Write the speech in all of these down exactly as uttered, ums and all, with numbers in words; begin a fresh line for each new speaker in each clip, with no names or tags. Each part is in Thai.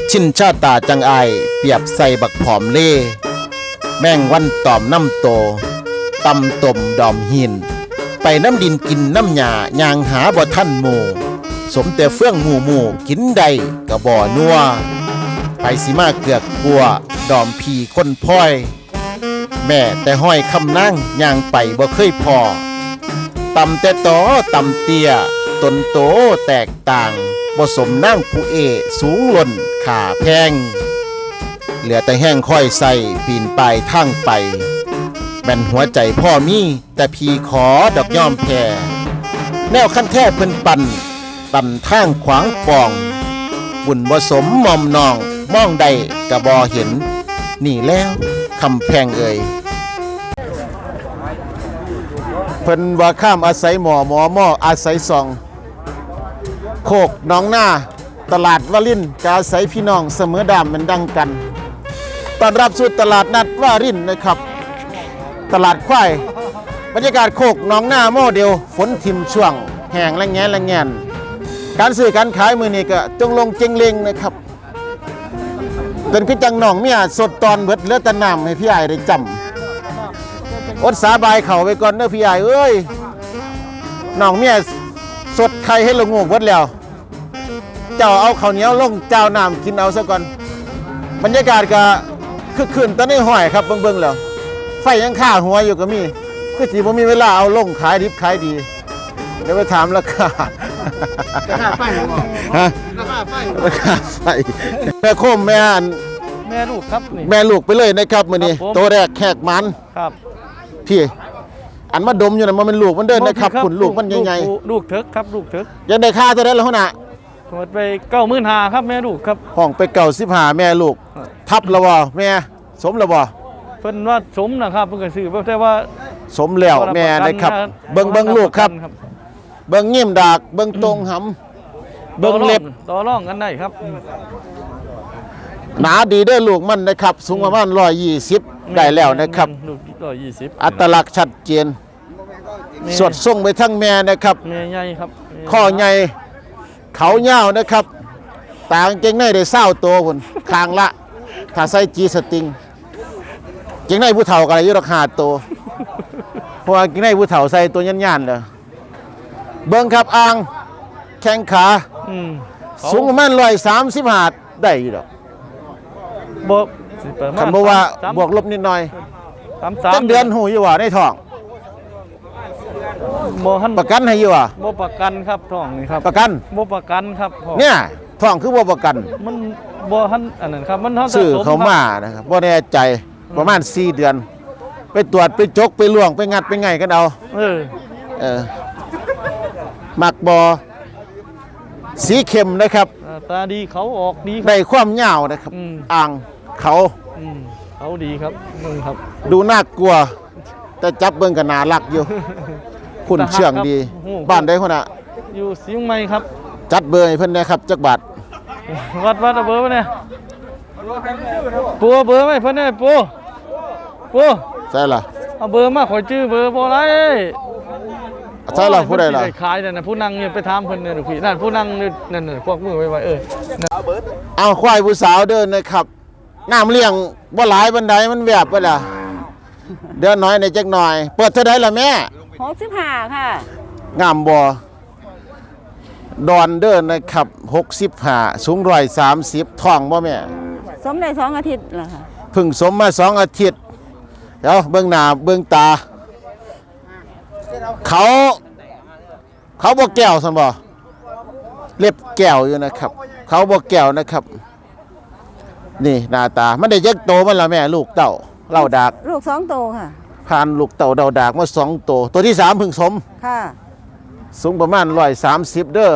ชินชาตาจังไอเปรียบใส่บักผอมเล่แม่งวันตอมน้ำโตตำต้มดอมหินไปน้ำดินกินน้ำหยายางหาบ่ท่านหมู่สมแต่เฟื่องหมู่หมู่กินใดกะบ่อนัวไปสิมาเกือกกลัวดอมพีคนพ้อยแม่แต่ห้อยคำนั่งย่างไปบ่เคยพอตำแต่ตอตำเตี้ยตนโตแตกต่างบ่สมนั่งผู้เอสูงล่นขาแพงเหลือแต่แห้งค่อยใส่ปีนไปทางไปแม่นหัวใจพ่อมีแต่พีขอดอกย่อมแพ่แนวขั้นแท้เพิ่นปั่นปั่นทางขวางปองบุญบ่สมมอมนองมองใดกะบ่เห็นนี่แล้วคำแพงเอ่ยเพิ่นว่าข้ามอาศัยหมอหมอหม้ออาศัยซองโคกน้องหน้าตลาดวารินกาอาศัยพี่น้องเสมอดามมันดังกันต้อนรับสู่ตลาดนัดวารินนะครับตลาดควายบรรยากาศโคกน้องหน้าโมเดลฝนทิมช่วงแห้งและแงนและแงนการซื้อการขายมือนี้ก็จงลงเจงเลงนะครับเป็นคือจังหนองเมียสดตอนเบิดเลือดตะน้ำให้พี่ใหญ่ได้จำอดสาบายเข่าไปก่อนเด้อพี่ใหญ่เอ้ยหนองเมียสดไข่ให้ลงงูเบิดแล้วเจ้าเอาข้าวเหนียวลงเจ้าน้ำกินเอาซะก่อนบรรยากาศก็คึกคืนตอนนี้ห้อยครับเบิ่งๆแล้วไฟยังข้าหัวอยู่ก็มีคือสิบ่มีเวลาเอาลงขายดิบขายดีเดี๋ยวไปถามราคาราคาไฟฮะราคาไฟราคาไฟแม่โคมแม่อัน
แม่ลูกครับนี่
แม่ลูกไปเลยนะครับมื้อนี้โตแรกแขกมัน
ครับ
พี่อันมาดมอยู่น่ะมันเป็นลูกมันเดินนะครับขุนลูกมันใหญ่
ๆลูกเถิกครับลูกเถิก
ยังได้ค่าเท่านั้นล่ะหั่นน่ะ
หมดไปเก้าหมื่นห้าครับแม่ลูกครับ
ห้องไปเก้าสิบห้าแม่ลูกทับแล้วบ่แม่สมแล้วบ่
เพิ่นว่าสมนะครับเพิ่นก็ซื้อแต่ว่า
สมแล้วแม่นะครับเบิ่งเบิ่งลูกครับเบิ่งยิ้มดากเบิ่งตรงหำเบิ่งเล็บ
ต่อรองกันได้ครับ
หนาดีเด้อลูกมันนะครับสูงประมาณหนึ่งร้อยยี่สิบได้แล้วนะครับ
ลูกหนึ่งร้อยยี่สิบ
อัตลักษณ์ชัดเจนสวดส่งไปทั้งแม่นะครับ
แม่ใหญ่ครับ
ข้อใหญ่เขายาวนะครับต่างเก่งในได้เศร้าตัวพุ่นคางละถ้าใส่จีสติงเก่งในผู้เฒ่าก็ได้อยู่ราคาตัวเพราะว่าเก่งในผู้เฒ่าใส่ตัวยันๆเด้อเบิ่งครับอ่างแข้งขาสูงประมาณหนึ่งร้อยสามสิบห้าได้อยู่ดอก
บ่
คันบ่ว่าบวกลบนิดหน่อยจักเดือนหูอยู่ว่าในท้อง
บ่ทัน
ประกันให้อยู่ว่า
บ่ประกันครับท้องนี่ครับ
ประกัน
บ่ประกันครับ
เนี่ยท้องคือบ่ประกัน
มันบ่ทันอันนั้นครับมันเฮา
ซื้อเขามานะครับบ่แน่ใจประมาณสี่เดือนไปตรวจไปจกไปล่วงไปงัดไปไงกันเอา
เออ
เออมักบอสีเข้มนะครับ
ตาดีเขาออกดี
ได้ความยาวนะครับอ่างเขา
เขาดีครับมึงครับ
ดูน่ากลัวแต่จับเบิ่งก็น่ารักอยู่คุณเชื่องดีบ้านได้คนน่ะ
อยู่เชียงใหม่ครับ
จัดเบอร์ให้เพิ่นนะครับจักบาท
วัดวัดเบอร์ไว้เนี่ยปูเบอร์ไว้เพิ่นเนี่ยปูปู
ใช่ล่ะ
เอาเบอร์มาขอชื่อเบอร์บ่ไร
ใช่ล่ะผู้ใดล่ะ
ขายนั่นน่ะผู้นั่งเนี่ยไปถามเพิ่นเนี่ยพี่นั่นผู้นั่งนั่นน่ะควักมือไว้ไว้เออ
เอาควายผู้สาวเดินนะครับน้ำเลี้ยงบ่หลายบันไดมันแวบไปล่ะเดินน้อยในจักหน่อยเปิดเท่าใดล่ะแม่
หกสิบห้าค่ะ
งามบ่ดอนเดินนะครับหกสิบห้าสูงหนึ่งร้อยสามสิบท้องบ่แม่
สมได้สองอาทิตย์แล้วค่ะ
เพิ่งสมมาสองอาทิตย์เดี๋ยวเบื้องหน้าเบื้องตาเขาเขาบ่แก้วซั่นบ่เล็บแก้วอยู่นะครับเขาบ่แก้วนะครับนี่หน้าตามันได้จักโตมันล่ะแม่ลูกเต่าเล่าดาก
ลูกสองโตค่ะ
ผ่านลูกเต่าเดาดากมาสองโตตัวที่สามเพิ่งสม
ค่ะ
สูงประมาณหนึ่งร้อยสามสิบเด้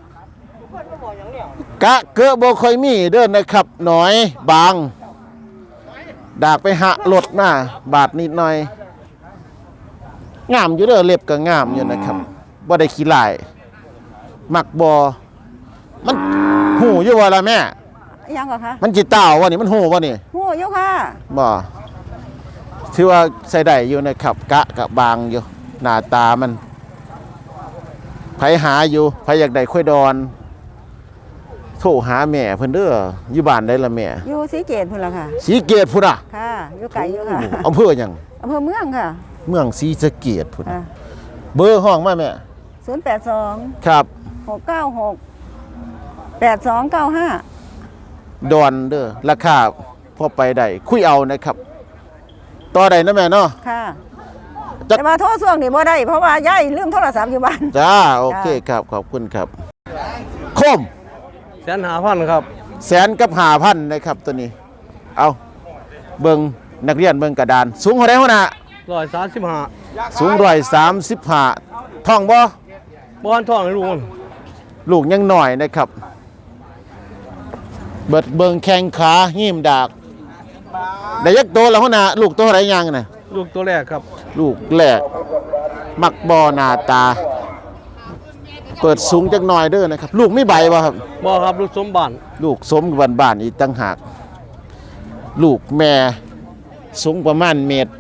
อกะเกอะบ่ค่อยมีเด้อนะครับหน่อยบางดากไปหะลดมาบาดนิดหน่อยงามอยู่เด้อเล็บก็งามอยู่นะครับบ่ได้ขี้ลายมักบ่มันหูอยู่ว่าล่ะแม่
ยังก็คะ
มันจิเต้าว่านี่มันหูว่านี่
หูอยู่ค่ะ
บ่ถือว่าใส่ได้อยู่นะครับกะกะบางอยู่หน้าตามันไผหาอยู่ไผอยากได้ค่อยดอนโทรหาแม่เพิ่นเด้ออยู่บ้านได้ละแม่
อยู่ศรีเกตพุ่นละค่ะ
สีเกตพุ่นอ่ะ
ค่ะอยู่ไกลอยู่ค่ะ
อำเภอหยัง
อำเภอเมืองค่ะ
เมืองศรีสะเกษพุ่น
ค่ะ
เบอร์ห้องมาแม่
ศูนย์แปดสอง
ครับ
หกเก้าหกแปดสองเก้าห้า
ดอนเด้อราคาพอไปได้คุยเอานะครับต่อได้นะแม่เนาะ
ค่ะ
จัก
แต่ว่าโทรส่วงนี่บ่ได้เพราะว่าย้ายลืมโทรศัพท์อยู่บ้าน
จ้าโอเคครับขอบคุณครับคม
แสนหาพันครับ
แสนกับห้าพันนะครับตัวนี้ เอาเบิ่งนักเรียนเบิ่งกระดาน สูงเท่าไรหัวหน้า
ร้อยสามสิบห้า
สูงร้อยสามสิบห้าท่องบ่
บอนทองให้ลุง
ลูกยังหน่อยนะครับ เบิดเบิ่งแข้งขาหิ้มดากได้ยักโตแล้วหัวหน้าลูกโตเท่าไรยังน่ะ
ลูกตัวแรกครับ
ลูกแรกมักบอหน้าตา เปิดสูงจักหน่อยเด้อนะครับ ลูกไม่ใบบ่ครับ
บอครับลูกสมบัติ
ลูกสมกับบ้านๆอีกตั้งหาก ลูกแม่สูงประมาณเมตร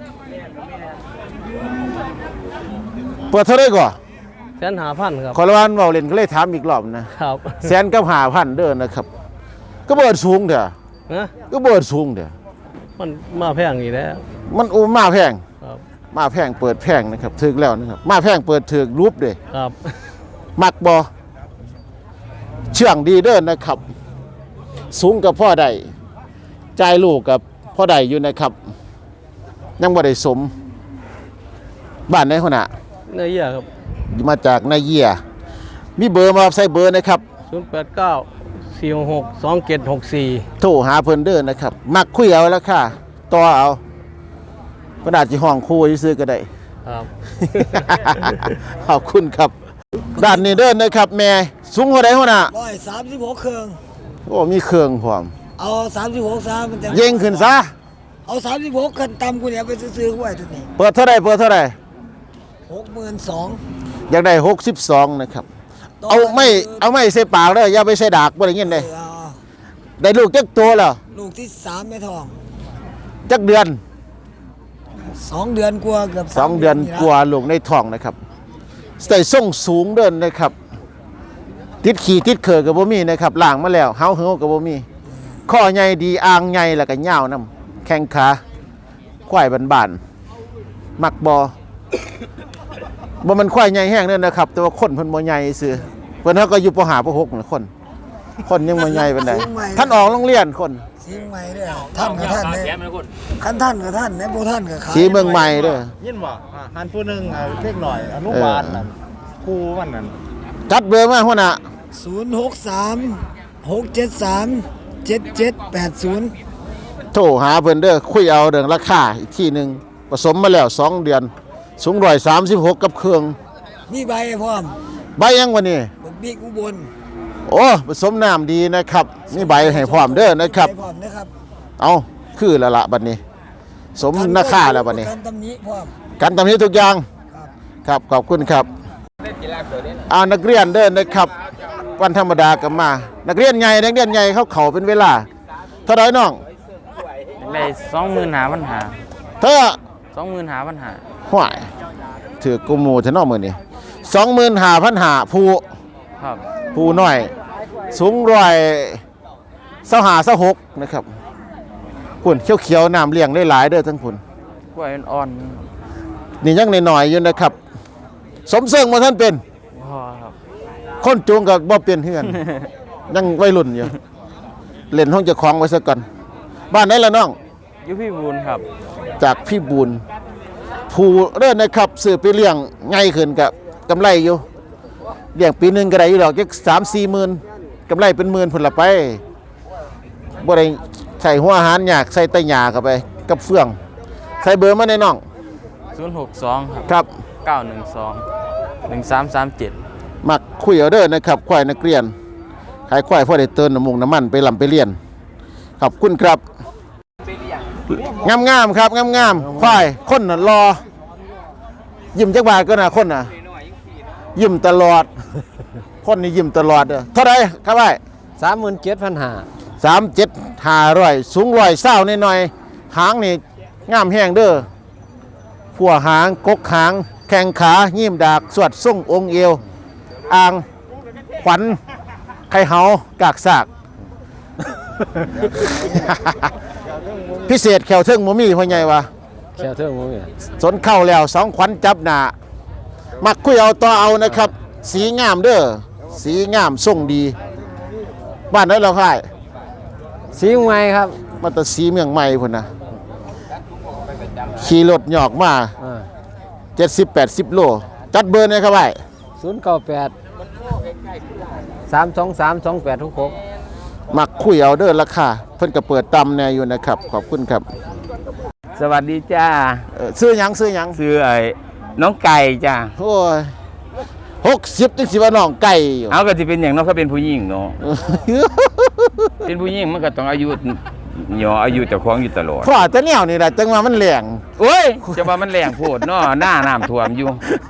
เปิดเท่าไรก่อ
แสนหาพันครับ
ขอละวันเว้าเล่นก็เลยถามอีกรอบนะครับ แสนกับห้าพันเด้อนะครับ ก็เบิดสูงเด้อ
นะ
ก็เบิดสูงเด้อ
มันมาแพงอีกแล้ว
มันโอ้มาแพง
ครับ
มาแพงเปิดแพงนะครับถึกแล้วนะครับมาแพงเปิดถึกรูปเด้
ครับ
มักบ่เชื่องดีเด้อนะครับ สูงกับพ่อใดใจายลูกกับพ่อใดอยู่นะครับ ยังบ่ได้สม บ้านไหนหัวหน้า
เนื้อเยื่อครับ
มาจากนาเยีย มีเบอร์มาใส่เบอร์นะครับ
ศูนย์แปดเก้าสี่หกสองเจ็ดหกสี่
โทรหาเพิ่นเด้อนะครับ มักคุยเอาแล้วค่ะต่อเอาเพิ่นอาจสิห้องคู่ซื้อก็ได้
ครับ
ขอบคุณครับ ด้านนี้เด้อนะครับ แม่สูงเท่าใดหัวหน้า
ร้อยสามสิบหกเครื่อง
โอ้มีเครื่องพร้อม
เอาสามสิบหกซะมันจะ
เย่งขึ้นซะ
เอาสามสิบหกกันต่ำกูเนี่ยไปซื้อๆไว้ตัวนี้
เปิดเท่าใดเปิดเท่าใด
หกหมื่นสอง
อยากได้หกสิบสองนะครับ เอาไม่เอาไม่ใส่ปากเด้ออย่าไปใส่ดากบ่ได้ยินเด้ได้ลูกจักตัวแล้ว
ลูกที่สามแม่ทอง
จักเดือน
สองเดือนกว่าเกือบ
สองเดือนกว่าลูกในท้องนะครับใส่ส่งสูงเดินนะครับ ติดขี่ติดเขือกับบ่มีนะครับล่างมาแล้วเฮาเฮากับบ่มีข้อใหญ่ดีอ่างใหญ่แล้วก็ยาวนํแข้งขาควายบานๆมักบ่ บ่มันควายใหญ่แห้งเด้อนะครับ แต่ว่าคนเพิ่นบ่ใหญ่ซื่อเพิ่นเฮาก็อยู่ปห้าปหกน่ะคน คนยังบ่ใหญ่ปานใดท่านออกโรงเรียนคน
สีเมืองใหม่ด้วยท่านกับท่านเนี่ยคันท่านกับท่านเนี่ยโบท่านกับขา
สีเมืองใหม่เด้อ
ยินบ่อ่าหันผู้หนึ่งเอาเล็กหน่อยอนุบาลนั่นครูมันนั่น
จัดเบอร์มาหัวหน้า
ศูนย์หกสามหกเจ็ดสามเจ็ดเจ็ดแปดศูนย์
โทรหาเพิ่นเด้อคุยเอาเรื่องราคาอีกทีหนึงผสมมาแล้วสองเดือนสูงร้อยสามสิบหกกับเครื่อง
มีใบพร้อม
ใบยังวันนี้
บักบิ๊กอุบล
โอ้ผสมน้ำดีนะครับมีใบให้พร้อมเด้อนะครับ
ใบพร้อมนะครับ
เอาคือแล้วละบัดนี้ สมราคาแล้วบัดนี้
กันตำหนิพร้อม
กันตำนี้ทุกอย่าง
ครับ
ครับขอบคุณครับอานักเรียนเดินนะครับ วันธรรมดาก็มา นักเรียนใหญ่นักเรียนใหญ่เขาเขาเป็นเวลาเท่าไรน้อง
ได้สองหมื่นหาปัญหา
เท่า
สองหมื่นหาปัญหา
ห่วยถือกุมูจะนอกมือนี่สองหมื่นห้าพันหาผู้
ครับ
ผู้น้อย สูงร้อยเสาหาเสาหกนะครับพุ่นเขียวๆน้ำเลี้ยงได้หลายเด้อทั้งพุ่น
กล้วยอ่อน
นี่ยังหน่อยๆอยู่นะครับ สมเสริงมาท่านเป็น
ๆพอครับ
คนจูงกับบ่เป็นเฮือน ยังวัยรุ่นอยู่ เล่นห้องเจะคล้าของไว้ซะก่อน บ้านไหนล่ะน้อง
อยุพี่บูนครับ
จากพี่บุญผู้เริ่นนะครับซื้อไปเลี้ยงง่ายขึ้นกับกำไรอยู่เลี้ยงปีหนึงก็ได้อยู่ดอกจักสามสี่หมื่นกำไรเป็นหมื่นผลละไปบ่ได้ใส่หัวอาหารยากใส่ไตหญ้าเข้าไปกับเฟือง ใส่เบอร์มาในน้อง
ศูนย์หกสองครับ
ครับ
เก้าหนึ่งสองหนึ่งสามสามเจ็ด
มักคุยเอาเด้อนะครับควายนักเรียนขายควายพ่อได้เติมน้ำมุงน้ำมันไปลำไปเรียนขอบคุณครับงามงามๆครับงามงามๆควายคนน่ะรอ ยิ้มจักบาทก็น่ะคนน่ะยิ้มตลอด คนนี่ยิ้มตลอดเด้อเท่าไรครับไอ้
สามหมื่นเจ็ดพันห้า
สามเจ็ดห้าร้อยสูงร้อยเศร้าหน่อยๆหางนี่งามแห้งเด้อผัวหางกกหางแข้งขายิ้มดากสวดส่งองค์เอวอ่างขวัญไข่เฮากากสาก พิเศษแขวเทิงหมูมี่พ่อใหญ่วะ
แค่เท่ามั้ง
สนเข้าแล้วสองขวัญจับหนามักคุยเอาต่อเอานะครับ สีงามเด้อสีงามทรงดี บ้านไหนเราค่าย
สีใหม่ครับ
มาแต่สีเมืองใหม่พุ่นนะขี่รถหยอกมาเจ็ดสิบแปดสิบโลจัดเบอร์เนี่ยครับไอ้
ศูนย์เก้าแปดสามสองสามสองแปดทุกหก
มักคุยเอาเด้อราคาเพิ่นก็เปิดตำแน่อยู่นะครับ ขอบคุณครับ
สวัสดีจ้า
เอ่อซื้อหยังซื้อหยัง
ซื้อไอ้น้องไก่จ้า
โอ้ยหกสิบจังสิว่าน้องไก่อยู่
เอาก็จะเป็นอย่างน้องเขาเป็นผู้หญิงเนาะ เป็นผู้หญิงมันก็ต้องอายุหยออายุเจ้าของอยู่ตลอด
พ่อแต่แนวนี่แหละจังว่ามันแหลง
โอ้ยจะว่ามันแรงโพดเนาะหน้าน้ำท่วมอยู่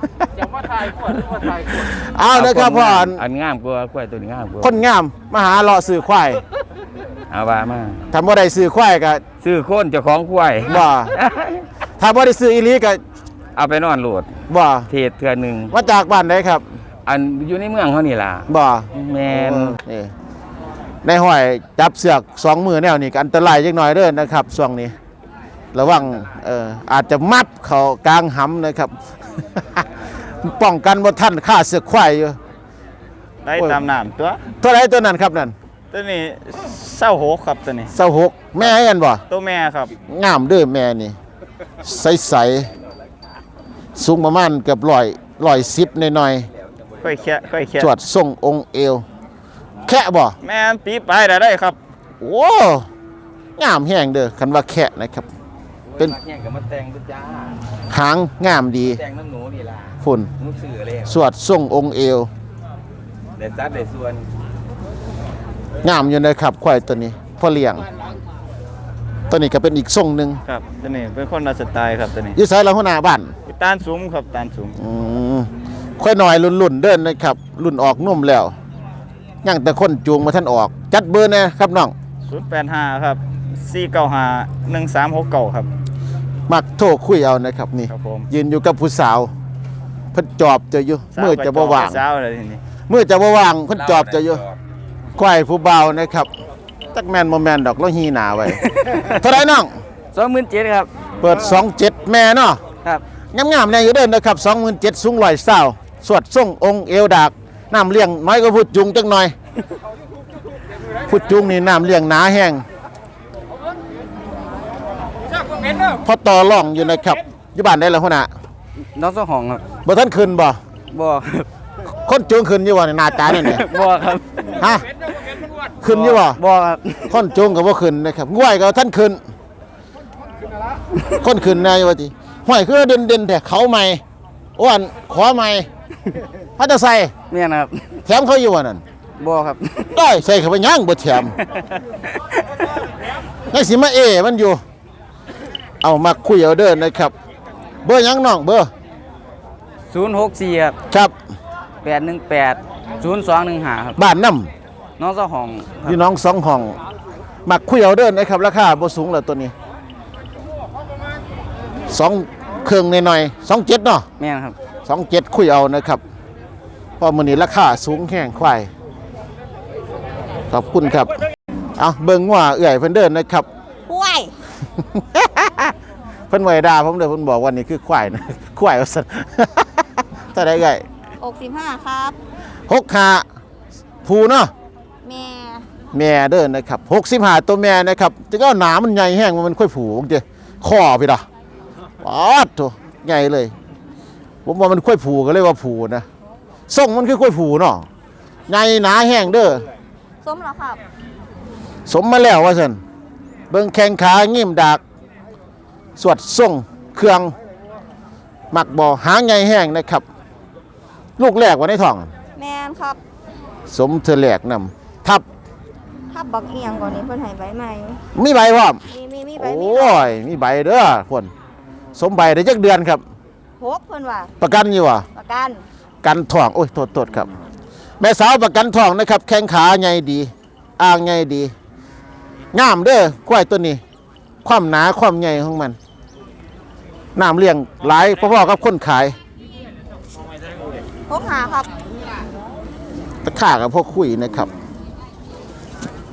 เอาเด้อครับพ่อ
อันงามกว่ากล้วยตัวนี้งามกว่า
คนงามมาหาเลาะซื้อควาย
เอาว่ามา
ถ้าบ่ได้ซื้อควายก็
ซื้อโคนเจ้าของกล้วย
บ่ถ้าบ่ได้ซื้ออีหลีก็
เอาไปนอนโหลด
บ่
เทศเทื่อหนึง
มาจากบ้านใดครับ
อันอยู่ในเมืองเขานี่ล่ะ
บ่
แม่น
นี่ในห้อยจับเสือกสองมือแนวนี่ก็อันตรายจักหน่อยเด้อนะครับช่วงนี้ ระวังเอ่ออาจจะมัดเข้ากลางหำนะครับ ป้องกันบ่ทันค่าเสือกควายอยู่
ได้ตามน้ำตัว
เท่าไหร่ตัวนั้นครับนั่น
ตัวนี้เศร้าโหกครับตัวนี้
เศร้าหกแม่กันบ่
ตัวแม่ครับ
งามเด้อแม่นี่ใสๆสูงประมาณเกือบร้อยร้อยสิบหน่อย
ค่อยแค่ค่อยแค่
ๆจวดทรงองค์เอว แคะบ่
แม่นปีปลายได้ได้ครับ
โอ้งามแห้งเด้อคันว่าแคะนะครับ เป็น
แข่งกับมาแต่งด้วยจ้า
หางงามดี
แต่งน้ำหนูนี่ล่ะ
ฝุ่น
หนูซื้อเลย
สวดทรงองค์เอว
เด็ดซัดเด็ดส่วน
งามอยู่นะครับควายตัวนี้พ่อเลี้ยง ตัวนี้ก็เป็นอีกทรงหนึ่ง
ครับตัวนี้เป็นคนละสไตล์ครับตัวนี้
อยู่ไสละหัวหน้าบ้าน
ตานสูงครับตานสูง
อืมค่อยหน่อยรุ่นๆเดินนะครับ รุ่นออกนุ่มแล้วยังแต่คนจูงมาท่านออก จัดเบอร์นะครับน้อง
ศูนย์แปดห้าครับสี่เก้าห้าหนึ่งสามหกเก้าครับ
มักโทรคุยเอานะครับนี่
ครับผม
ยืนอยู่กับผู้สาวเพิ่นจอบเจะอยู่มือจะบ่ว่าง
เช้าเลยทีนี้
มือจะบ่ว่างเพิ่นจอบเจะอยู่ควายผู้เบานะครับจักแมนบ่แมนดอกแล้วฮีหนาไว้ เท่าไหร่น้อง
สองหมื่นเจ็ดครับ
เปิดสองเจ็ดแม่เนาะ
ครับ
งามๆแน่อยู่เด้อนะครับสองหมื่นเจ็ดสูงร้อยเศร้าสวดส่งองค์เอวดากน้ำเลี้ยงน้อยก็พูดจุงจังหน่อย พูดจุงนี่น้ำเลี้ยงหนาแห้งพอต่อร่องอยู่นะครับอยู่บ้านได้แล้วพ่อน่ะ
น้องสองห้องครับ
บ่ท่านขึ้นบ่
บ่ครับ
คนจูงขึ้นอยู่บ่ในหน้าตาเนี่ยเนี่ย
บ่ครับ
ฮะขึ้นอยู่บ่
บ่ครับ
คนจูงก็บ่ขึ้นนะครับง่วยก็ท่านขึ้นคนขึ้นนายว่าติห้อยคือเด่นๆแต่เขาใหม่อ้วนขอใหม่พัดใส่
แม่นครับ
แถมเขาอยู่ว่านั่น
บ่ครับ
ได้ใส่เข้าไปย่างบ่แถมยังสิมาเอมันอยู่ เอามาคุยเอาเด้อนะครับ เบอร์หยังน้องเบอร์
ศูนย์หกสี่ครับ
ครับ
แปดหนึ่งแปดศูนย์สองหนึ่งห้าครับ
บ้านน้
น้องสองห้อง
ำพี่น้องสองห้องมาคุยเอาเด้อนะครับราคาบ่สูงแล้วตัวนี้สองเครื่องหน่อยๆสองเจ็ดเนาะ
แม่นครับ
สองเจ็ดคุยเอานะครับเพราะมื้อนี้ราคาสูงแห้งควายขอบคุณครับเอาเบิ่งว่าเอื่อยเพิ่นเดินนะครับ
ห้วย
เพิ่นไว้ด่าผมเด้อเพิ่นบอกว่านี่คือควายนะ ควายว่าซั่น เท่าใดไง
หกสิบห้าครับ
หกห้าผูเนาะ
แม่
แม่เด้อนะครับหกสิบห้าตัวแม่นะครับจะก็หนามันใหญ่แห้งมันค่อยผูบางทีคอพี่ดะป๊าดโถใหญ่เลย ผมว่ามันค่อยผูก็เลยว่าผูนะส่งมันคือค่อยผูเนาะใหญ่หนาแห้งเด้อ
ส้มเหรอครับ
สมมาแล้วว่าซั่นเบิ่งแข้งขางิ้มดากสวดส่งเครื่องหมักบ่อหางใหญ่แห้งนะครับ ลูกแรกว่าในท้อง
แมนครับ
สมเธอแหลกนำทับ
ถ้าบักเอียงก่อนนี้เพิ่นให้ใบใหม่
มีใบพร้อม
มีมีมีใบ
โอ
มีใบ้
ยมีใบเด้อพ่นสมใบได้จักเดือนครับ
หกเพิ่นว่า
ประกันอยู่วะ
ประกัน
กันทองโอ้ยโทษโทษครับ แม่สาวประกันทองนะครับ แข้งขาใหญ่ดีอ่างใหญ่ดีงามเด้อควายตัวนี้ ความหนาความใหญ่ของมันน้ำเลี้ยงหลายพ่อๆกับคนขาย
หกหาครับ
ตะข่ากับพวกคุยนะครับ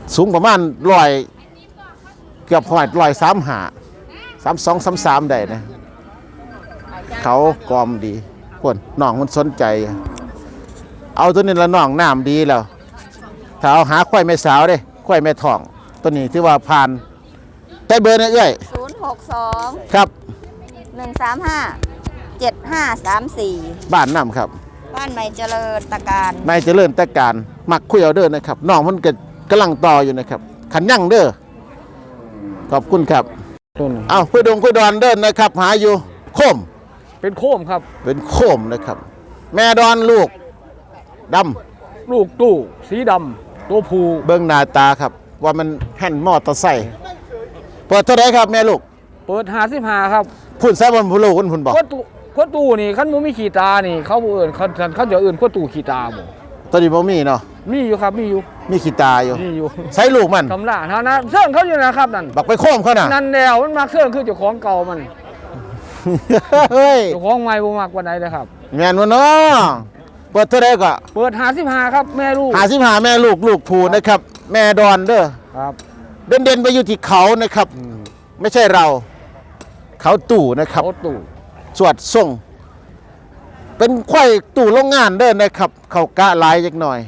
สูงประมาณร้อยเกือบหอยร้อยสามหาสามสองสามสามได้นะเขากอมดีคนน้องมันสนใจ เอาตัวนี้ละน้องน้ำดีแล้วถ้าเอาหาควายแม่สาวเด้ควายแม่ทองตัวนี้ที่ว่าผ่านได้เบอร์นะเอ้ย
ศูนย์หกสอง
ครับ
หนึ่งสามห้าเจ็ดห้าสามสี่
บ้านน้ำครับ
บ้านใหม่เจริญตะการ
นายเจริญแต่การมักคุยเอาเด้อนะครับน้องมันก็กำลังต่ออยู่นะครับขันยั่งเด้อขอบคุณครับ
ต้น
เอาคุยดงคุยดอนเดินนะครับ หาอยู่โคม
เป็นโคมครับ
เป็นโคมนะครับ แม่ดอนลูกดำ
ลูกตู้สีดำตัวผู้
เบิ้งหน้าตาครับ ว่ามันแห่นมอเตอร์ไซค์เปิดเท่าไหรครับแม่ลูก
เปิดหาสิบหาครับ
พุ่นแซ่บนผู้ลูกคุณพุ่นบอก
ขวดตู้ขวดตู้นี่คันบ่มีขีตานี่เขาบ่เอิ้นเขาเขาจะเอิ้นขวดตู้ขีตาบ่
ตัวนี้บ่มีเนาะ
มีอยู่ครับมีอยู่
มีขี้ตาอยู่
มีอยู่
ใช้ลูกมัน
ทำล่าเท่านั้นเสื่องเขาอยู่นะครับนั่น
บักไปโคมเขาน่ะ
นั่นแล้วมันมักเสื่องคือเจ้าของเก่ามัน
เฮ้ย
เจ้าของใหม่บ่มักปานใดเลยครับ
แม่นวะเนาะเปิดเท่าไหรก็
เปิดหาสิบหาครับแม่ลูก
หาสิบหาแม่ลูกลูกผูนะครับ แม่ดอนเด้อ
ครับ
เด่นเด่นๆไปอยู่ที่เขานะครับ ไม่ใช่เรา เขาตู่นะครับ
โอ้ตู้
สวดส่ง เป็นควายตู่โรงงานเด้อนะครับ เขากะหลายจักหน่อย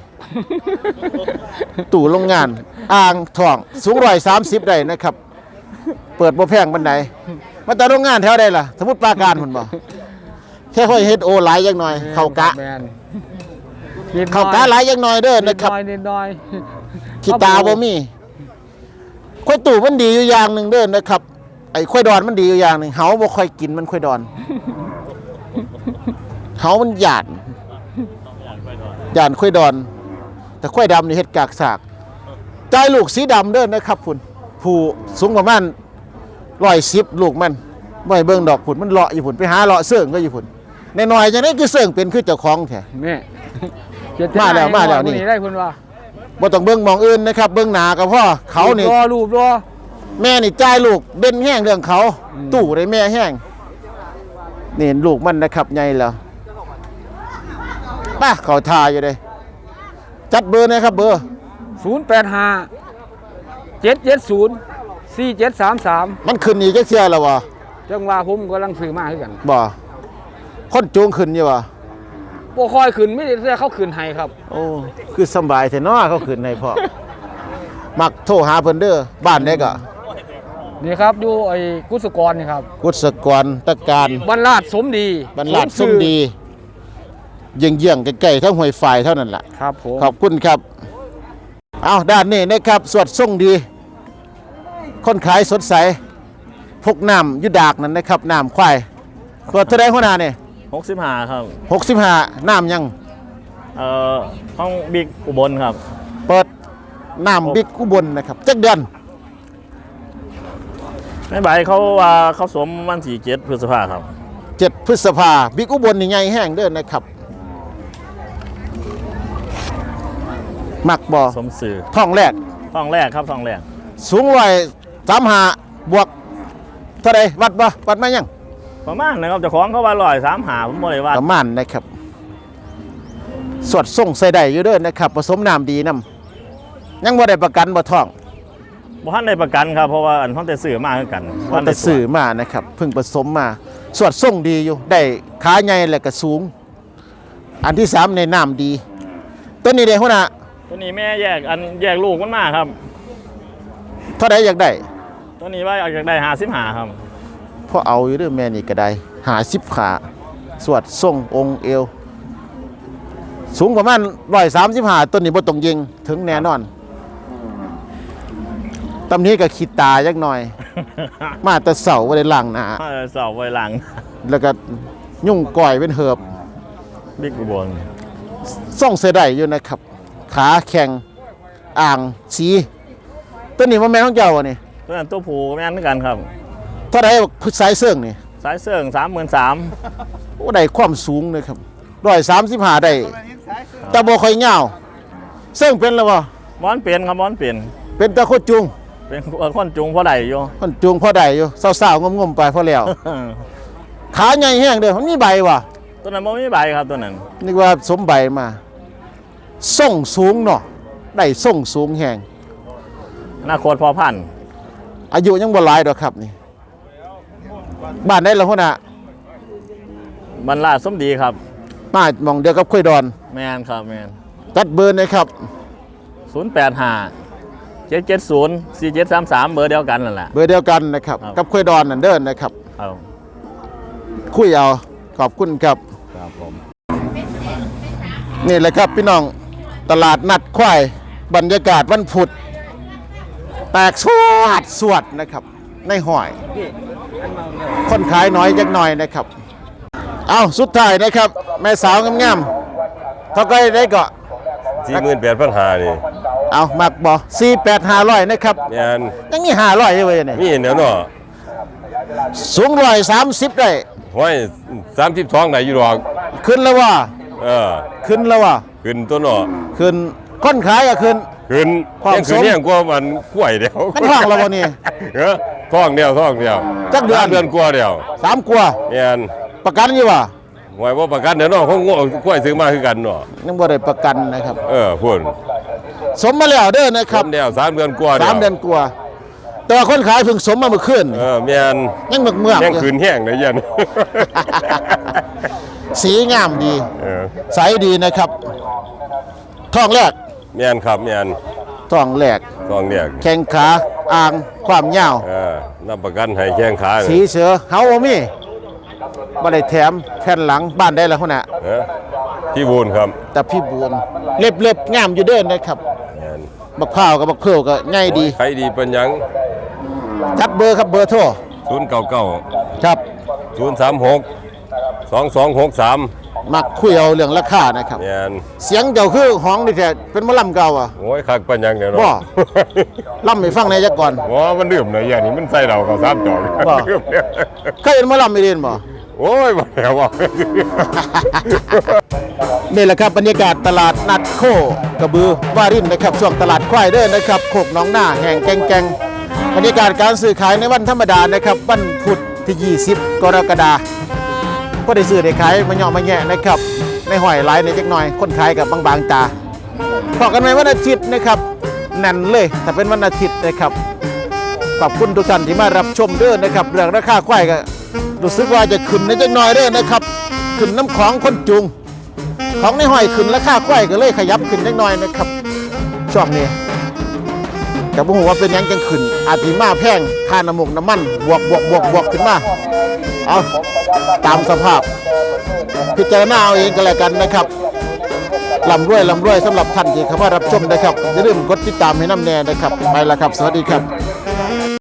ตู่โรงงาน อ่างทองสูงร้อยสามสิบได้นะครับ เปิดบ่แพงบันไดมาแต่โรงงานแถวใดล่ะ สมมุติปราการพุ่นบ่แค่ค่อยเฮ็ดโอหลายจักหน่อย เขากะ
แม่น
เขากะหลายจักหน่อยเด้อ
นิ
นะ
ด
ค
ห
รับ
น่อยนิดหน่อย
ขี้ตาบ่มีควายตู่มันดีอยู่อย่างหนึ่งเด้อนะครับ ไอ้ควายดอนมันดีอยู่อย่างหนึ่งเหาบ่ค่อยกินมันควายดอนเหามันหยาดหยาดควายดอน แต่ควายดำนี่เฮ็ดกากสากใจายลูกสีดำเด้อนะครับพุ่นผู้สูงประมาณร้อยสิบลูกมันบ่ให้เบิ่งดอกพุ่นมันเลาะอยู่พุ่นไปหาเลาะเสื่องก็อยู่พุ่นในน้อยๆจังได๋คือเสื่องเป็นคือเจ้าของแท้
แม่
มาแล้วมาแล้วนี่
ได้เพิ่นว่า
บ่ต้องเบิ่งหมองอื่นนะครับเบิ่งหน้าก็พอเขานี่
รอรูปรอ
แม่นี่จ่ายลูกเด่นแห้งเรื่องเขา ตู่ได้แม่แห้งนี่เห็นลูกมันนะครับใหญ่แล้วป้าเขาทาอยู่เลยจัดเบอร์นะครับเบอร์
ศูนย์แปดห้า เจ็ดเจ็ดศูนย์ สี่เจ็ดสามสาม
มันขึ้นอีกจักเที่ยแล้ววะ
จังว่าผมกำลังซื้อมาคือกัน
บ่คนจูงขึ้นอยู่วะ
บ่คอยขึ้นไม่ได้เสื้อเขาขึ้นให้ครับ
โอ้คือสำบายแท้เนาะเขาขึ้นให้พ่อมักโทรหาเพิ่นเด้อบ้านได้ก็
นี่ครับอยู่ไอ้กุศกรนี่ครับ
กุศกรตะการ
บรรลาดสมดี
บรรลัดสมดีเยี่ยงๆใกล้ๆทั้งห้วยฝ่ายเท่านั้นล่ะ
ครับผม
ขอบคุณครับ เอาด้านนี้นะครับสวดทรงดี คนขายสดใส พกน้ำอยุดากนั่นนะครับน้ำควายเปิดเท่าไรหัวหน้าเนี่ย
หกสิบห้าครับ
หกสิบห้าน้ำยัง
เอ่อห้องบิ๊กอุบลครับ
เปิดน้ำบิ๊กอุบลนะครับจักเดือน
แม่ใบเขาว่าเขาสวมวันที่เจ็ดพฤษภาครับ
เจ็ดพฤษภาบิ๊กอุบลนี่ใหญ่แห้งเด้อนนะครับ มักบ่อ
สมสื่อ
ท้องแรก
ท้องแรกครับท้องแรก
สูงร้อยสามหาบวกเท่าไรวัดบ่วัดมายัง
ประมาณนะครับเจ้าของเขาว่าร้อยสามหาผมบ่ได้ว่า
ประมาณนะครับ สวดส่งใส่ได้อยู่เด้อนะครับ ผสมน้ำดีน้ำยังบ่ได้ประกันบ่ท้อง
บ่ทันได้ประกันครับเพราะว่าอันเขาแต่สื่อมาคือกัน
ว่าแต่สื่อมานะครับเพิ่งผสมมา สวดส่งดีอยู่ ได้ขาใหญ่และก็สูง อันที่สามในน้ำดีตัวนี้เด้หัวหน้า
ตัวนี้แม่แยกอันแยกลูกมันมาครับ
เท่าใดอยากได้
ตัวนี้ว่าอยากได้หาสิบหาครับ
พอเอาอยู่เด้อแม่นี่ก็ได้หาสิบขาสวดส่งองค์เอว สูงประมาณร้อยสามสิบห้าต้นนี้บ่ต้องยิงถึงแน่นอนตำนี้ก็ขีดตาจักหน่อย มาแต่เสาไว้ในหลังหนา
เออสอบไว้หลัง
แล้วก็ยุ่งก่อยเป็นเหือบ
บิ๊กอุบล
ส่องเสยได้อยู่นะครับ ขาแข็งอ่างสีต้นนี้ว่าแม่ของเจ้าวะนี่
ตัวนั้นตัวผูแม่นคือกันครับ
เท่าไรพุทธสายเสื่องนี่
สายเสื่องสามหมื่นสาม
โอ้ได้ความสูงเลยครับร้อยสามสิบห้าได้แต่บ่ค่อยเงาวเสื่องเป็นแล้วบ่
มอนเปลี่ยนครับมอนเปลี่ยน
เป็นตะโคดจุง
เป็นคนจุงพ่อใดอยู่
มันจุงพอได้อยู่สาวๆงมๆไปพอแล้ว ขาใหญ่แห้งเด้อมันมีใบว่ะ
ตัวนั้นบ่มีใบครับตัวนั้น
นึกว่าสมใบมาส่งสูงเนาะได้ส่งสูงแห้ง
อนาคตพอพันธุ์
อายุยังบ่หลายดอกครับนี่บ้านได้แล้วพุ่นน่ะ
บรรลาดสมดีครับ
มาหมองเดียวกับคุยดอน
แมนครับแมน
จัดเบอร์หนะครับ
ศูนย์แปดห้าเจ็ดเจ็ดศูนย์สี่เจ็ดสามสามเบอร์เดียวกันนั่นแหละ
เบอร์เดียวกันนะครับ
ครับ
กับคุยดอนนั่นเดินนะครับ
เอา
คุยเอาขอบคุณครับ
ครับผม
นี่แหละครับพี่น้องตลาดนัดควายบรรยากาศวันพุธแตกสวดสวดนะครับ ในหอย คนขายน้อยจักหน่อยนะครับ เอาสุดท้ายนะครับ แม่สาวงามๆเท่าก็ได้ก็
สี่หมื่นแปดพันหานี่
เอามักบ่สี่แปดห้าร้อยนะครับ
แม่น
ยังมีห้าร้อยอยู่เว้ยเนี่ย
มีเห็นแล้วเนาะ
สูงร้อยสามสิบได้
ห้อยสามสิบสองไหนอยู่หรอก
ขึ้นแล้วว่า
เออ
ขึ้นแล้วว่า
ขึ้นตัวเนาะ
ขึ้นคนขายก็ขึ้น
ขึ้น
ความ
ยังขึ้น
สม
เนี่ยกว่ามันกล้วยเดียว
มันท้องแล้วบ่นี่
เออท้องเดียวท้องเดียว
จักเดือน
สามเดือนกว่าเดียว
สามกว่า
แม่น
ประกันอยู่ว่า
หวยว่าประกันเดี๋ยวเนาะเขางกล้วยซื้อมาคือกันเนาะ
ยังบ่ได้ประกันนะครับ
เออพุ่น
สมมาแล้วเด้อนะค
ค
รั
รั
บบ
เดียวสามเดือนกว่าเดียว
สามเดือนกว่าแต่ว่าคนขายเพิ่งสมมาเมื่อคืน
เออแม่น
ยังเมือกเมือก
ยัง
อยู่
ขึ้นแห้งเลยยัน
สีงามดี
เออ
ใสดีนะครับท้องแรก
แม่นครับแม่น
ท้องแรก
ท้องเรียก
แข้งขาอ่างความยาว
เออรับประกันให้แข้งขา
สีเสือเฮาบ่มีบ่ได้แถมแผ่นหลังบ้านได้แล้วพุ่นน่ะ
เออที่บูนครับ
แต่พี่บูนเล็บเล็บงามอยู่เด้อนะครับ
แม่น
บักพร้าวกับบักเพิวก็ง่ายดี
ใครดีเป็นหยัง
จัดเบอร์ครับเบอร์โทร
ศูนย์เก้าเก้า
ครับ
ศูนย์สามหกสองสองหกสาม
มักคุยเอาเรื่องราคานะครับ
เนี่ย
เสียงเจ้าคือห้องนี่แท้เป็นหมอลำเก่าอ่ะ
โอ้ยคักปัญญังเนี่ยเนาะ
บ่ ลำให้ฟังในอยจักก่อน
โอ้มันดื่มเลยอย่างนี้มันใส่เราเขาสามจอก
บ่
ดื่มเนี่ย
เคยเห็นหมอลำไม่เรียนบ่
โอ้ยมาแล้วว่า
นี่แหละครับบรรยากาศตลาดนัดโคกระบือวารินนะครับช่วงตลาดควายเด้อนะครับโคกหน้องหน้าแห่งแกงแกงบรรยากาศการซื้อขายในวันธรรมดานะครับวันพุธที่ยี่สิบกรกฎาคมก็ได้ซื้อได้ขายมาเหยาะมาแงะนะครับในหอยหลายในจักหน่อยคนขายกับบางๆตาพอกันไหมวันอาทิตย์นะครับแน่นเลยถ้าเป็นวันอาทิตย์นะครับขอบคุณทุกท่านที่มารับชมเด้อนะครับเรื่องราคาควายก็รู้สึกว่าจะขึ้นในจักหน่อยเด้อนะครับขึ้นน้ำของคนจุง ของในหอยขึ้นราคาควายก็เลยขยับขึ้นเล็กน้อยนะครับช่วงนี้แต่บ่ฮู้ว่าเป็นหยังจังขึ้นอาจสิมาแพงค่าน้ำมูกน้ำมันบวกบวกบวกบวกขึ้นมาเอาตามสภาพ พิจารณาเอาเองก็แล้วกันนะครับลำรวยลำรวยสำหรับท่านที่เข้ามารับชมนะครับอย่าลืมกดติดตามให้น้ำแน่นะครับไปละครับสวัสดีครับ